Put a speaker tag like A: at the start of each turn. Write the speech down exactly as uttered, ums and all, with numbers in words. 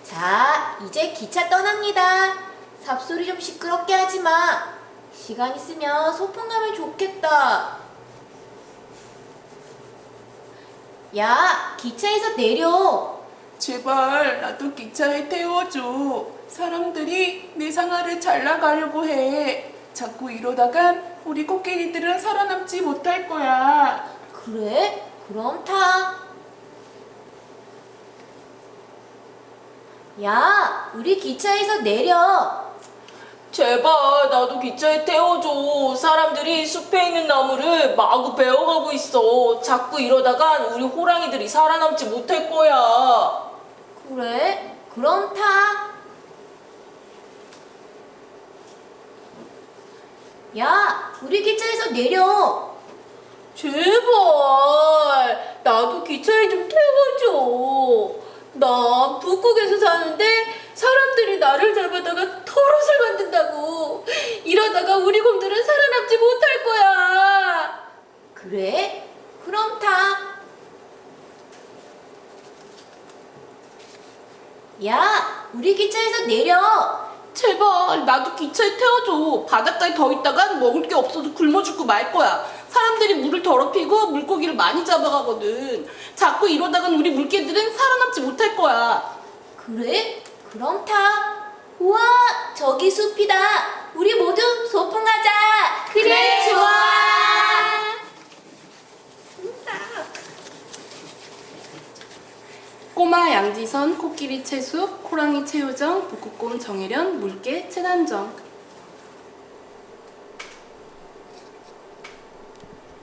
A: 자, 이제 기차 떠납니다. 삽소리 좀 시끄럽게 하지 마. 시간 있으면 소풍 가면 좋겠다. 야, 기차에서 내려.
B: 제발 나도 기차에 태워줘. 사람들이 내 상아를 잘 나가려고 해. 자꾸 이러다간 우리 코끼리들은 살아남지 못할 거야.
A: 그래? 그럼 타. 야, 우리 기차에서 내려.
C: 제발 나도 기차에 태워줘. 사람들이 숲에 있는 나무를 마구 베어가고 있어. 자꾸 이러다간 우리 호랑이들이 살아남지 못할 거야.
A: 그래? 그럼 타. 야, 우리 기차에서 내려.
C: 제발 나도 기차에 좀 태워줘. 나 북극에서 사는데 사람들이 나를 잡아다가 털옷을 만든다고. 이러다가 우리 곰들은 살아남지 못할 거야.
A: 그래? 그럼 타. 야, 우리 기차에서 내려.
B: 제발 나도 기차에 태워줘. 바닷가에 더 있다간 먹을 게 없어서 굶어 죽고 말 거야. 사람들이 물을 더럽히고 물고기를 많이 잡아가거든. 자꾸 이러다간 우리 물개들은 살아남지 못할 거야.
A: 그래? 그럼 타. 우와, 저기 숲이다. 우리 모두 소풍 가자.
B: 그래, 좋아. 꼬마 양지선, 코끼리 채숙, 호랑이 최효정, 북극곰 정혜련, 물개 최단정.